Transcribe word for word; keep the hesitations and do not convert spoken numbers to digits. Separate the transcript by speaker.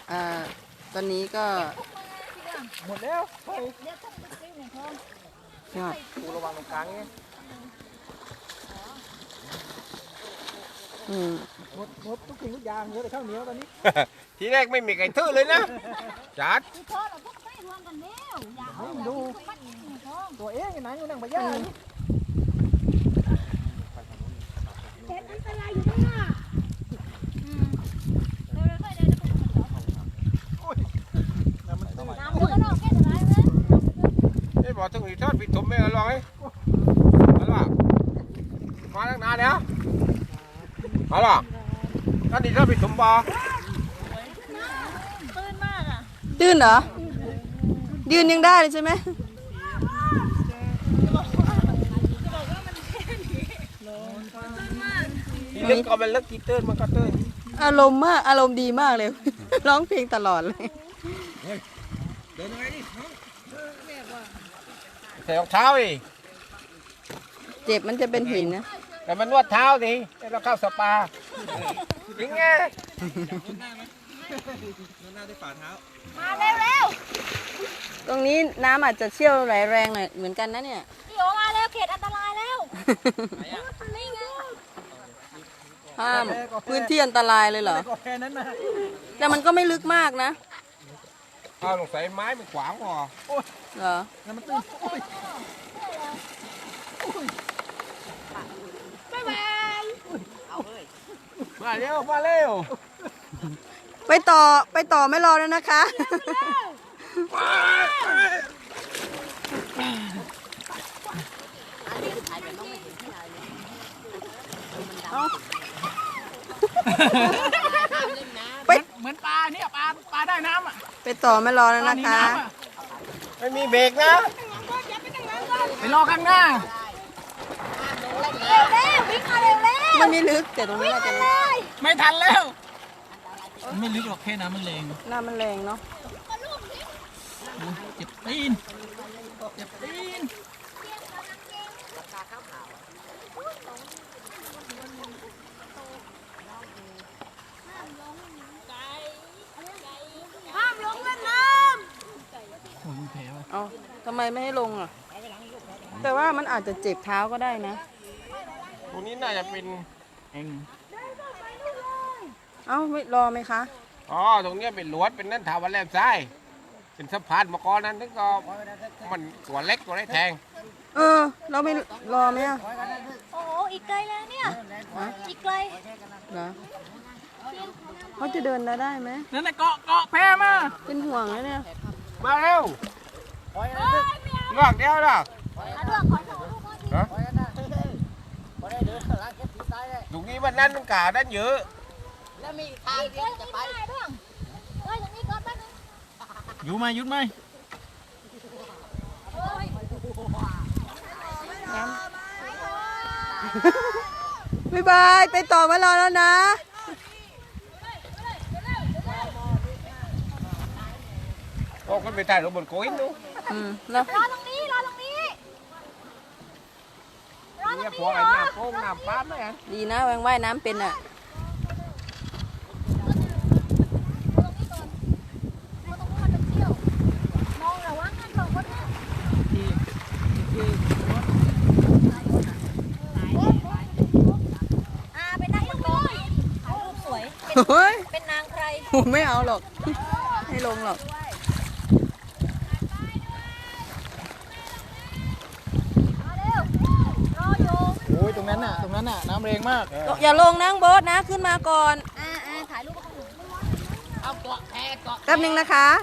Speaker 1: อ่าตอนนี้ก็
Speaker 2: หมดแล้ว
Speaker 1: ยอด
Speaker 2: ปูระวังตรงกลางนี่
Speaker 1: อืม
Speaker 2: หมดหมดทุกสิ่งทุกอย่างเหลือแต่ข้าวเหนียวตอนนี้
Speaker 3: ทีแรกไม่มีไก่ทื่อเลยนะจัด
Speaker 2: ดูตัวเองอยู่ไหนอยู่นั่งพญา
Speaker 4: เห็ดอันตรายอยู่ข้างหน้าเร็วๆค่อยเดินน้ำมันก็นอกแค่ไหนไหม
Speaker 3: ไอ้บอกถึงอีทอดผิดถมไม่อร่อยมาล่ะมาตั้งนานแล้วมาล่ะท่านอีทอดผิดถมบ่
Speaker 4: ตื้นมากอ่ะ
Speaker 1: ตื้นเหรอยืนยังได้เลยใช่ไหม
Speaker 3: ที่ลึกก็มันลึกที่ตื้นมันก็ตื้น
Speaker 1: อารมณ์มากอารมณ์ดีมากเลย ร้องเพลงตลอดเลย
Speaker 3: เดินยังไงดิใส่รองเท้าดิ
Speaker 1: เจ็บมันจะเป็นหินนะ
Speaker 3: แต่มันนวดเท้าดิเราเข้าสปาจริงไง
Speaker 4: มาเร็วเร็ว
Speaker 1: ตรงนี้น้ำอาจจะเชี่ยวไหลแรงหน่อยเหมือนกันนะเนี่ย
Speaker 4: พี่โอมาแล้วเขตอันตรายแล้วนี่ไง
Speaker 1: ห้ามพื้นที่อันตรายเลยเหรอแต่มันก็ไม่ลึกมากนะ
Speaker 3: เอาลงใส่ไม้มันขวางพอ
Speaker 1: เหรอ
Speaker 4: บ๊ายบาย
Speaker 3: มาเร็วมาเร็ว
Speaker 1: ไปต่อไปต่อไม่รอแล้วนะคะ
Speaker 2: ไปเหมือนปลาเนี่ยปลาปลาได้น้ำอ่ะ
Speaker 1: ไปต่อไม่รอแล้วนะคะ
Speaker 3: ไม่มีเบรกนะ
Speaker 2: ไปรอข้างหน้า
Speaker 4: เร็วเร็ววิ่งมาเร็วเร็ว
Speaker 1: มันไม่ลึกแต่ตรงนี้เราจะ
Speaker 2: ไม่ทันแล้วมันไม่ลึกหรอกแค่น้ำมันแรง
Speaker 1: น้ำมันแรงเนาะ
Speaker 2: เจ็บตีนเจ็บตีน
Speaker 4: ห้ามลงเล่นน้
Speaker 2: ำโอ้ยแผลว่ะ
Speaker 1: เอาทำไมไม่ให้ลงอ่ะแต่ว่ามันอาจจะเจ็บเท้าก็ได้นะ
Speaker 3: ตรงนี้น่าจะเป็น
Speaker 2: เอง
Speaker 1: เอ้าไม่รอไหมคะ
Speaker 3: อ๋อตรงนี้เป็นหลวดเป็นนั่นถาวรแหลมซ้ายเป็นสะพานมาก่อนนั้นถึงก็มันตัวเล็กตัวได้แทง
Speaker 1: เออเราไม่รอไหมอ่ะ
Speaker 4: โอ้โหอีกไกลแล้วเนี่ยอีกไกล
Speaker 1: เหรอเขาจะเดินได้ไหม
Speaker 2: นั่นแหละเกาะเกาะแพมา
Speaker 1: เป็นห่วงแล้วเนี่ย
Speaker 3: มาเร็วลวกเดียวนะฮะตรงนี้วันนั้นมันกาด้านเยอะ
Speaker 4: แล้วมีทางเดียวจะไปด้วยเฮ้ยตรงนี้ก่อนแป๊บนึง
Speaker 2: อยู่ไหมหยุดไหม
Speaker 1: บ๊ายบายไปต่อมารอแล้วนะ
Speaker 3: โอ้คนไปถ่ายรูปบนโก้ยนู้
Speaker 1: อืม
Speaker 4: รอตรงนี้รอตรงนี้รอตรงนี้
Speaker 3: พอไอ้น้ำโป่งน้ำปั๊มเลย
Speaker 1: ดีนะแวงว่ายน้ำเป็นอ่ะเฮ้ย
Speaker 4: เป็นนางใคร
Speaker 1: ไม่เอาหรอกไม่ลงหรอก
Speaker 4: มาเร็วรออยู่
Speaker 2: โอ้ยตรงนั้นน่ะตรงนั้นน่ะน้ำแรงมาก
Speaker 1: อย่าลงนั่งโบ๊ทนะขึ้นมาก่อน
Speaker 4: อ่าอ่าถ่ายรูปเอาเกาะแพเกาะ
Speaker 1: แป๊บนึงนะคะ